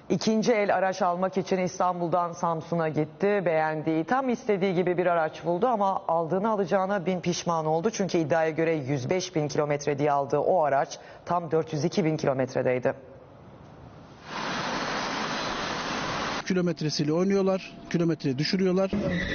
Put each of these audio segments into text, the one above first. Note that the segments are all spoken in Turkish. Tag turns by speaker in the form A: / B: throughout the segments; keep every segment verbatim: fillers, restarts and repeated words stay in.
A: İkinci el araç almak için İstanbul'dan Samsun'a gitti. Beğendiği, tam istediği gibi bir araç buldu ama aldığını alacağına bin pişman oldu. Çünkü iddiaya göre yüz beş bin kilometre diye aldığı o araç tam dört yüz iki bin kilometredeydi.
B: Kilometresiyle oynuyorlar, kilometreyi düşürüyorlar.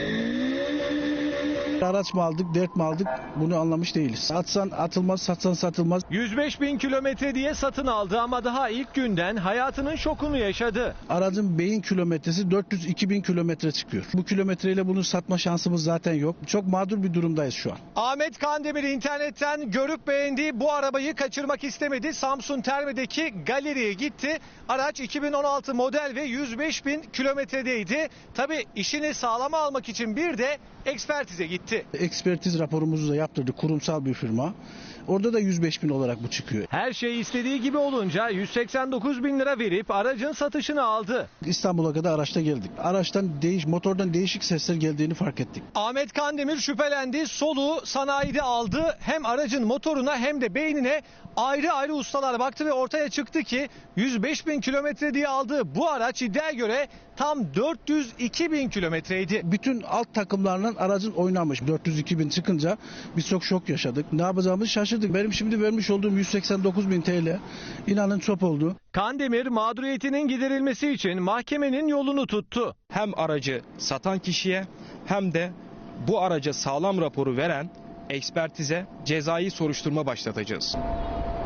B: Araç mı aldık, dert mi aldık bunu anlamış değiliz. Atsan atılmaz, satsan satılmaz.
C: yüz beş bin kilometre diye satın aldı ama daha ilk günden hayatının şokunu yaşadı.
B: Aracın beyin kilometresi dört yüz iki bin kilometre çıkıyor. Bu kilometreyle bunu satma şansımız zaten yok. Çok mağdur bir durumdayız şu an.
C: Ahmet Kandemir internetten görüp beğendiği bu arabayı kaçırmak istemedi. Samsun Terme'deki galeriye gitti. Araç iki bin on altı model ve yüz beş bin kilometredeydi. Tabii işini sağlama almak için bir de ekspertize gitti.
B: Ekspertiz raporumuzu da yaptırdık, kurumsal bir firma. Orada da yüz beş bin olarak bu çıkıyor.
C: Her şey istediği gibi olunca yüz seksen dokuz bin lira verip aracın satışını aldı.
B: İstanbul'a kadar araçta geldik. Araçtan değiş, motordan değişik sesler geldiğini fark ettik.
C: Ahmet Kandemir şüphelendi, soluğu sanayide aldı. Hem aracın motoruna hem de beynine ayrı ayrı ustalar baktı ve ortaya çıktı ki yüz beş bin kilometre diye aldığı bu araç iddiaya göre tam dört yüz iki bin kilometreydi.
B: Bütün alt takımlarla aracın oynanmış. dört yüz iki bin çıkınca biz çok şok yaşadık. Ne yapacağımızı şaşırdık. Benim şimdi vermiş olduğum yüz seksen dokuz bin T L inanın çöp oldu.
C: Kandemir mağduriyetinin giderilmesi için mahkemenin yolunu tuttu.
D: Hem aracı satan kişiye hem de bu araca sağlam raporu veren ekspertize cezai soruşturma başlatacağız.